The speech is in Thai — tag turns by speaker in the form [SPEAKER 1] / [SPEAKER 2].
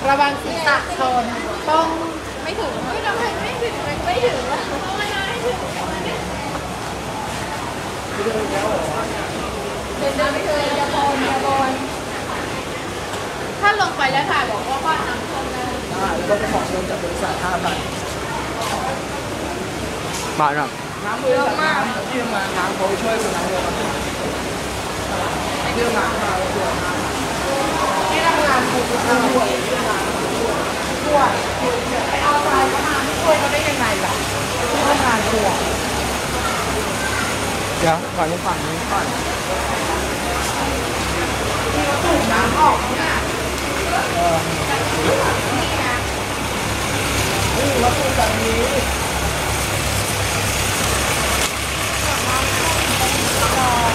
[SPEAKER 1] ระวังศีรษะชนต้องไม่ถึงไม่ทำไมไม่ถึงไม่ถึงแล้วไม่ได้ถึงเดินไปเลยอย่าบนอย่าบนถ้าลงไปแล้วถ่ายบอกว่าบ้านน้ำท่วมได้
[SPEAKER 2] แล้วก็ไปขอเงินจากบริษัท5,000
[SPEAKER 3] บาทครับ
[SPEAKER 2] น้ำบริษัทน้ำที่มาน้ำเขาช่วยคนน้ำเลยเรื่องน้ำมาตัวน้ำที่ทำงานถูกทำป่วยป่วยไปเอาใจเขามาไม่ช่วยเขาได้ยังไงล่ะที่ทำงานป่วย
[SPEAKER 3] เดี๋ยวก่อนจะฝั่งนี้ก่อน
[SPEAKER 2] ที่เขาสูบน้ำออกเนี่ย